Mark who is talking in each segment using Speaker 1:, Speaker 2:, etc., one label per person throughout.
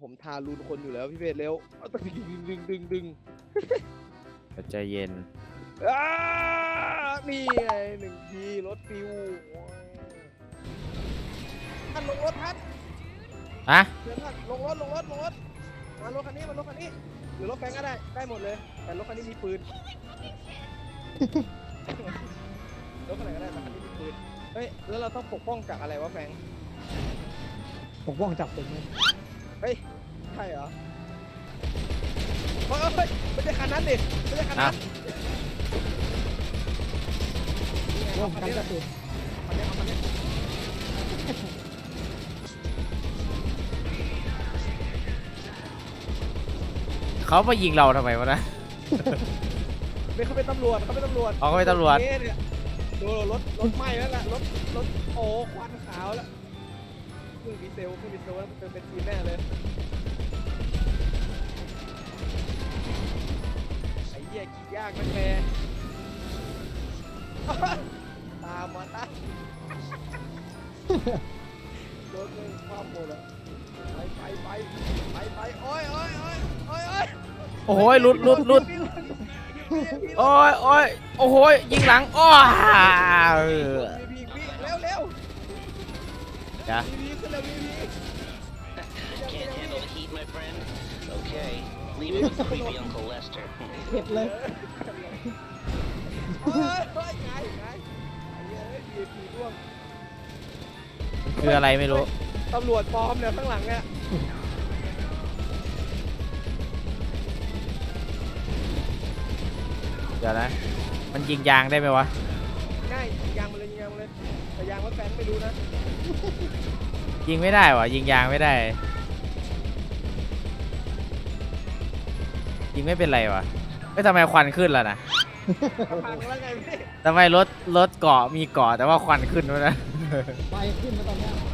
Speaker 1: ผมทารุณคนอยู่แล้วพี่เบสเร็วเอาตะดึง
Speaker 2: ใจเย็น
Speaker 1: นี่ไง1 ทีรถฟิวท่านลงรถท่าน
Speaker 2: อะ
Speaker 1: เดี๋ยวท่านลงรถมารถคันนี้หรือรถแฟงก็ได้หมดเลยแต่รถคันนี้มีปืน รถคันไหนก็ได้แต่คันนี้มีปืนเฮ้ยแล้วเราต้องปกป้องจากอะไรวะแฟง
Speaker 3: ปกป้องจับผมเลย
Speaker 1: เฮ้ยใช่เหรอเฮ้ยไม่ใช่คันนั้นดิไม่ใช่คันนั้น
Speaker 3: ร่วมกันกระตุน
Speaker 1: คันนี้
Speaker 2: เขามายิงเราทำไมวะนะ
Speaker 1: ไม่เขาเป็นตำรวจ
Speaker 2: อ๋อเขาเป็นตำรวจ
Speaker 1: เนี่ยดูรถไหม้แล้วล่ะรถโอ้ควันขาวแล้วเครื่องดีเซลแล้วมันเป็นทีแน่เลยไอ้เหี้ยขี่ยากมันแม่ตามมาตารถเลยความหมดอ่ะไปโอ้ย
Speaker 2: โอ้โหหลุดโอ้ยโอ้โหยิงหลังอ้อ
Speaker 1: เร็ว
Speaker 2: จ้ะ
Speaker 1: วีขึ้นเร็ววี
Speaker 4: Can't handle the heat, my friend? Okay, leave it with creepy Uncle Lester.
Speaker 3: เผ็ดเลย
Speaker 1: เฮ้ยไงไอ้เหี้ยวีร่วง
Speaker 2: คืออะไรไม่รู้
Speaker 1: ตำรวจปลอมเนี่ยข้างหลังเนี่ย
Speaker 2: เดี๋ยวนะมันยิงยางได้ไหมวะ
Speaker 1: ง่ายยางมาเลยแต่ยางว่าแฟนไม่รู้นะ
Speaker 2: ยิงไม่ได้วะยิงยางไม่ได้ ยิงไม่เป็นไรวะไม่ทำไมควันขึ้นล่ะนะ
Speaker 1: พังแล้วไงพี่
Speaker 2: ทำไมรถเกาะมีเกาะแต่ว่าควันขึ้นวะนะ
Speaker 3: ไฟขึ้นมาตอนเนี้ย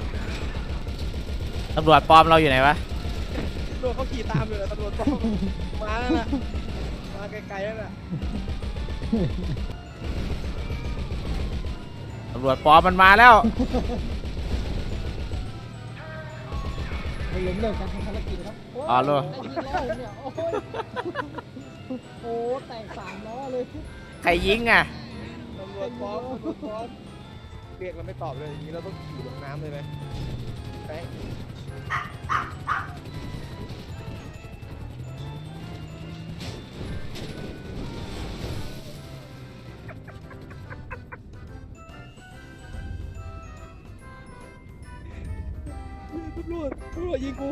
Speaker 2: ตำรวจปลอมเราอยู่ไหนวะ
Speaker 1: ตำรวจเขาขี่ตามอยู่เลยตำรวจปลอมมาแล้วน่ะมาไกลๆแล้วน่ะ
Speaker 2: ตำรวจปลอมมันมาแล้ว
Speaker 3: มันล้มเลิกการทำภารกิจครับ
Speaker 2: อ๋อรู้
Speaker 3: ไอ้ยี่ล้อเนี่ยโอ้แตก3 ล้อเลย
Speaker 2: ใครยิงอ่ะ
Speaker 1: ตำรวจปลอมเรียกเราไม่ตอบเลยอย่างนี้เราต้องขี่ลงน้ำเลยไหมแฟงตำรวจยิงกู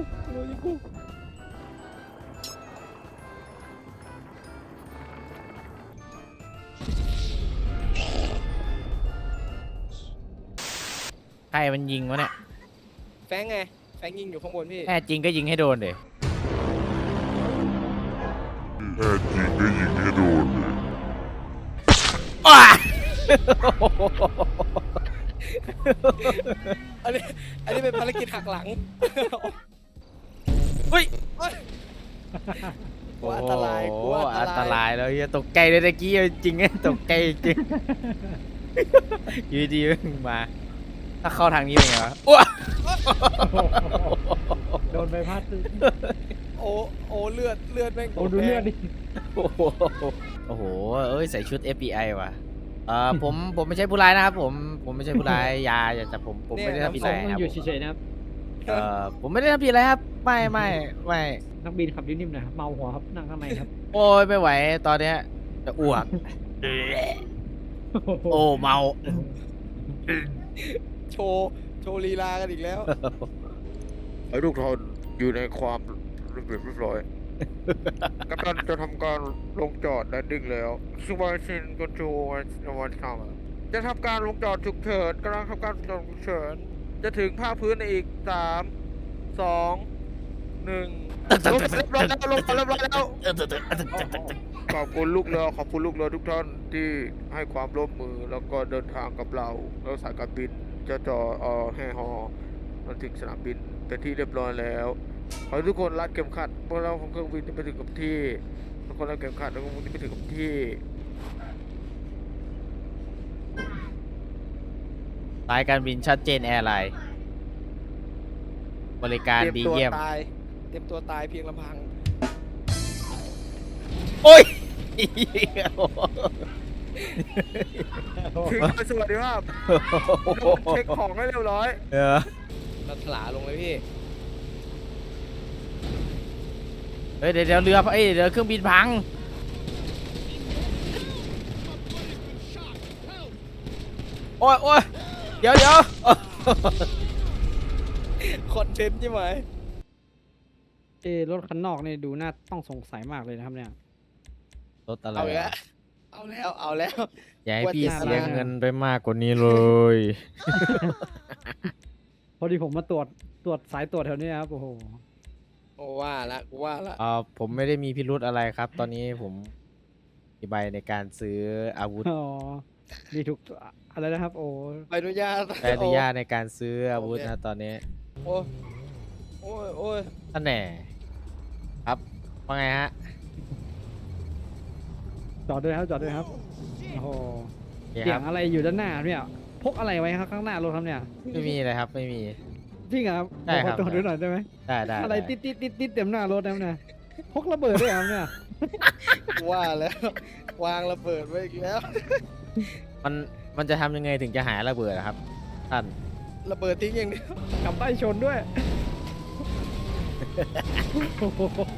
Speaker 2: ใครมันยิงวะเนี่ย
Speaker 1: แฟงไงแฟงยิงอยู่ข้างบนพี่
Speaker 2: แน่จริงก็ยิงให้โดนเดี๋ย
Speaker 5: แท้จริงก็ยิงให้โดนเลย
Speaker 2: อ้า
Speaker 1: อันนี้เป็นภารกิจหักหลัง
Speaker 2: เฮ้ย
Speaker 1: กลัวอันตรายกลัว
Speaker 2: อันตรายแล้วเฮียตกใจเลยตะกี้จริงตกใจจริงอยู่ดีๆมึงมา ถ้าเข้าทางนี้เป็นไงวะอ้ว
Speaker 3: โดนใบพัด
Speaker 1: โอ้เลือดแม่ง
Speaker 3: โอ้ดูเลือดดิ
Speaker 2: โอ้โหเอ้ยใส่ชุด FBI ว่ะผมไม่ใช่ผู้ร้ายนะครับผมไม่ใช่ผู้ร้ายอย่าจับผมไม่ได้ทำผิดอะไรครับ
Speaker 3: อยู่เฉยๆนะครับ
Speaker 2: ผมไม่ได้ทำผิดอะไรครับไม่
Speaker 3: นักบินขับนิ่มๆหน่อยครับเมาหัวครับนั่งข้างในครับ
Speaker 2: โอ้ยไม่ไหวตอนเนี้ยจะอ้วกโอ้เมา
Speaker 1: โชว์ลีลากันอีกแล้ว
Speaker 5: ให้ทุกท่านอยู่ในความระเบียบเรียบร้อยกัปตันจะทำการลงจอดแลนดิ้งแล้วสวายชินกอนโจวันทำจะทำการลงจอดฉุกเฉินกำลังทำการลงจอดฉุกเฉินจะถึงภาคพื้นในอีก3 2 1ลงเรียบร้อยแล้วขอบคุณลูกเรือทุกท่านที่ให้ความร่วมมือแล้วก็เดินทางกับเราแล้วสายการบินจะจอแห่ฮอมาถึงสนามบินเป็นที่เรียบร้อยแล้วขอให้ทุกคนรัดเข็มขัดพวกเราของเครื่องบินไปถึงกับที่ทุกคนรัดเข็มขัดแล้วก็มุ่งไปถึงกับที่
Speaker 2: สายการบินชัดเจนแอร์ไลน์บริการดีเยี่ยม
Speaker 1: ตายตรียมตัวตายเพียงลำพัง
Speaker 2: โอ้ย
Speaker 5: ถึงสวัสดีภาพเช็คของให้เรียบร้อย
Speaker 2: เออ
Speaker 1: เราถลาลงเลยพี่
Speaker 2: เฮ้ยเดี๋ยวเรือเอ้ยเดี๋ยวเครื่องบินพังโอ้ยโอ้ยเดี๋ยว
Speaker 1: คอนเทนต์ใช่ไหม
Speaker 3: รถคันนอกนี่ดูน่าต้องสงสัยมากเลยนะครับเนี่ย
Speaker 2: รถอะไร
Speaker 1: เอาอีก
Speaker 2: อะ
Speaker 1: แล้วเอาแล้ว
Speaker 2: อย่าให้พี่
Speaker 3: ว่าจะ
Speaker 2: เสียเงินไปมากกว่านี้เลย
Speaker 3: พอดีผมมาตรวจสายตรวจแถวนี้ครับโอ้โห
Speaker 1: โอ้ว่าละกูว่าละ
Speaker 2: ผมไม่ได้มีพิรุธอะไรครับ ตอนนี้ผมมีใบในการซื้ออาวุธ
Speaker 3: อ๋อมีทุกอะไรนะครับ โอ้
Speaker 1: ใบอนุญาต
Speaker 2: ใบอนุญาตในการซื้ออาวุธนะตอนนี้
Speaker 1: โอ้โอ้ยโอ้ย
Speaker 2: ท่านแหน่ครับว่าไงฮะ
Speaker 3: จอดด้วยครับจอดด้วยครับโอ้โห
Speaker 2: โอเค
Speaker 3: เสี
Speaker 2: ค
Speaker 3: ย
Speaker 2: รั
Speaker 3: ง
Speaker 2: บ
Speaker 3: อะไรอยู่ด้านหน้าเนี่ยพกอะไรไว้ครับข้างหน้ารถครับเนี่ย
Speaker 2: ไม่มีเลยครับไม่มี
Speaker 3: จริงเหรอครับ
Speaker 2: ได้ครับ
Speaker 3: ขอจอดด้วยหน่อยได้ไหม
Speaker 2: ได้
Speaker 3: อะไร
Speaker 2: ได้
Speaker 3: ติดเต็มหน้ารถนะเนี่ยพกระเบิดด้วยครับเนี่ย
Speaker 1: กูว่าแล้ว วางระเบิดไว้อีกแล้ว
Speaker 2: มันจะทำยังไงถึงจะหายระเบิดอะครับท่าน
Speaker 1: ระเบิดทิ้งอย่างเดียว
Speaker 3: กลับใต้ชนด้วยโอ้โห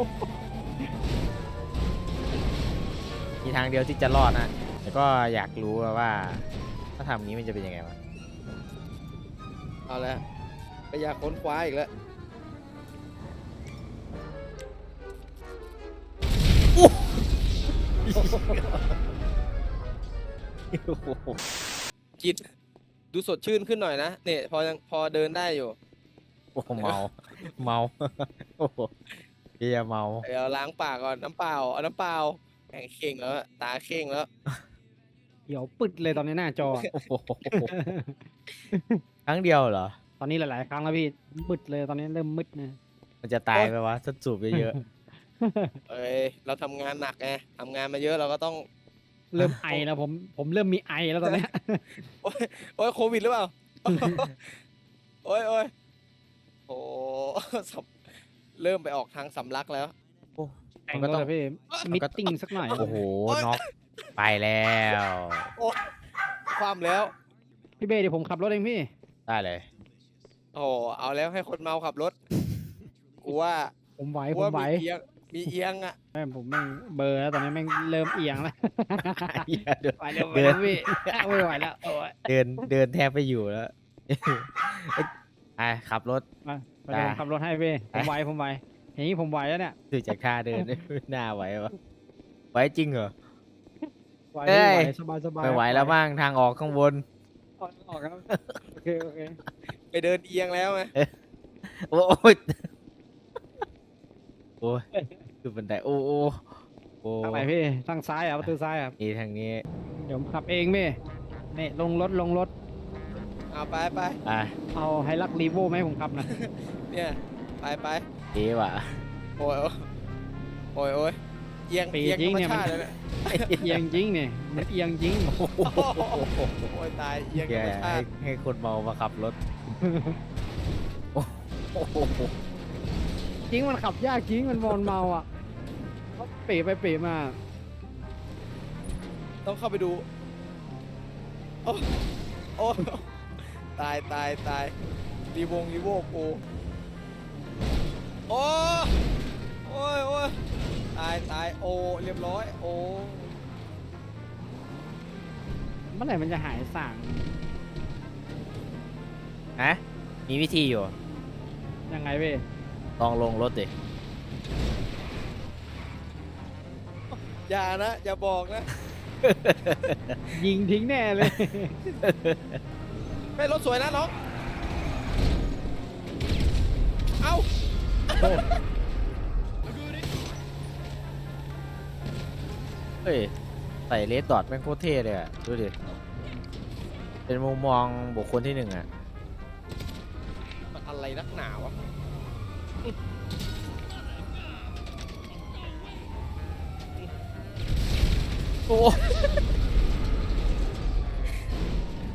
Speaker 2: มีทางเดียวที่จะรอดนะแต่ก็อยากรู้ว่า ถ้าทำอย่างนี้มันจะเป็นยังไงวะ
Speaker 1: เอาแล้วไปอยากค้นคว้าอีกแล้ว กินดูสดชื่นขึ้นหน่อยนะเนี่ยพอเดินได้อยู่
Speaker 2: โอ้โหเมา โอ้โหเฮียเมา
Speaker 1: เดี๋ยวล้างปากก่อนน้ำเปล่าเอาน้ำเปล่าแข่งเข่งแล้วตาเข่งแล้ว
Speaker 3: เดี๋ยวปึดเลยตอนนี้หน้าจอ
Speaker 2: โอ้โหครั้งเดียวเหรอ
Speaker 3: ตอนนี้หลายๆครั้งแล้วพี่มืดเลยตอนนี้เริ่มมืดนะ
Speaker 2: มันจะตายไปวะถ้าสูบเยอะ
Speaker 1: เอ้ยเราทำงานหนักไงทำงานมาเยอะเราก็ต้อง
Speaker 3: เริ่มไอแล้วผมเริ่มมีไอแล้วตอนเนี้ย
Speaker 1: โอ้ยโควิดหรือเปล่า โอ้ยโอ้ยโอ้ สำเริ่มไปออกทางสำลักแล้ว
Speaker 2: ๆ
Speaker 3: แต่
Speaker 2: มั
Speaker 3: ง
Speaker 2: นก็
Speaker 3: ก็
Speaker 2: ต้
Speaker 3: ต้
Speaker 2: อ
Speaker 3: อง งพี่มิทติ้งสักหน่อย
Speaker 2: โอ้โหน็อกไปแล้ว
Speaker 1: ความแล้ว
Speaker 3: พี่เบ้เดี๋ยวผมขับรถเองพี่
Speaker 2: ได้เลย
Speaker 1: โอ้โหเอาแล้วให้คนเมาขับรถกูว่า
Speaker 3: ผมไหว
Speaker 1: กู
Speaker 3: ผม
Speaker 1: ว่า
Speaker 3: ไหว
Speaker 1: มีเอียงอ่ะ
Speaker 3: แม่งผมแม่งเบลอร์แล้วตอนนี้แม่งเริ่มเอียงแล้ว
Speaker 2: เหี้ยเดิน
Speaker 3: ไหวแล้วไหวแล้วพี่ไม่ไหวแล้วโอ้ย
Speaker 2: เดินแทบไปอยู่แล้วไอ้ขับรถ
Speaker 3: มาไปเดี๋ยวผมขับรถให้พี่ผมไหวอย่างนี้ผมไหวแล้วเนี่ย
Speaker 2: ดูจากท่าเดิน ไม่น่าไหววะไหวจริงเหรอ
Speaker 3: ไหว
Speaker 2: เอ้ย
Speaker 3: สบายสบาย
Speaker 2: ไม่ไหวแล้วบ้างทางออกข้างบน
Speaker 3: ออกครับโอเคโอเค
Speaker 1: ไปเดินเอียงแล้วไง
Speaker 2: โอ้ยโอ้ยคือบันไดโอ้โอ้
Speaker 3: ทางไหนพี่ทางซ้ายอ่ะประตูซ้ายอ่ะ
Speaker 2: นี่ทางนี้
Speaker 3: เดี๋ยวผมขับเองพี่นี่ลงรถ
Speaker 1: เอาไป
Speaker 3: เอาไฮลักรีโวไหมาให้ผมขับนะ
Speaker 1: เนี่ยไป
Speaker 2: เอ๋ว่ะ
Speaker 1: โอ้ยโอ้ยเอียง
Speaker 3: ปี
Speaker 1: เอียง
Speaker 3: จริ
Speaker 1: ธรง รม
Speaker 3: เนี่ย
Speaker 1: ชาติเลยเนี่ย
Speaker 3: เอียงจริงเนี่ยมันเอียงจริง
Speaker 1: โอ้ยตายเอียง
Speaker 2: แก
Speaker 1: ธรรมชาติ
Speaker 2: ให้คนเมามาขับรถโอ้โห
Speaker 3: จริงมันขับยากจริงมันเมาอ่ะเขาเป๋ไปเป๋มา
Speaker 1: ต้องเข้าไปดูโอ้ตายรีโวกูโอ้ยตายโอ้เรียบร้อยโอ้
Speaker 3: เมื่อไหร่มันจะหายสั่ง
Speaker 2: ฮะมีวิธีอยู่
Speaker 3: ยังไงพี่
Speaker 2: ลองลงรถดิ
Speaker 1: อย่านะอย่าบอกนะ
Speaker 3: ยิงทิ้งแน่เลย
Speaker 1: ไม่รถสวยนะน้องเอ้า
Speaker 2: เฮ้ยใส่เลสดอทแม่งโคตรเท่เลยอ่ะดูดิเป็นมุมมองบุคคลที่หนึ่งอ่ะ
Speaker 1: มันอะไรนักหนาวะ
Speaker 2: โอ้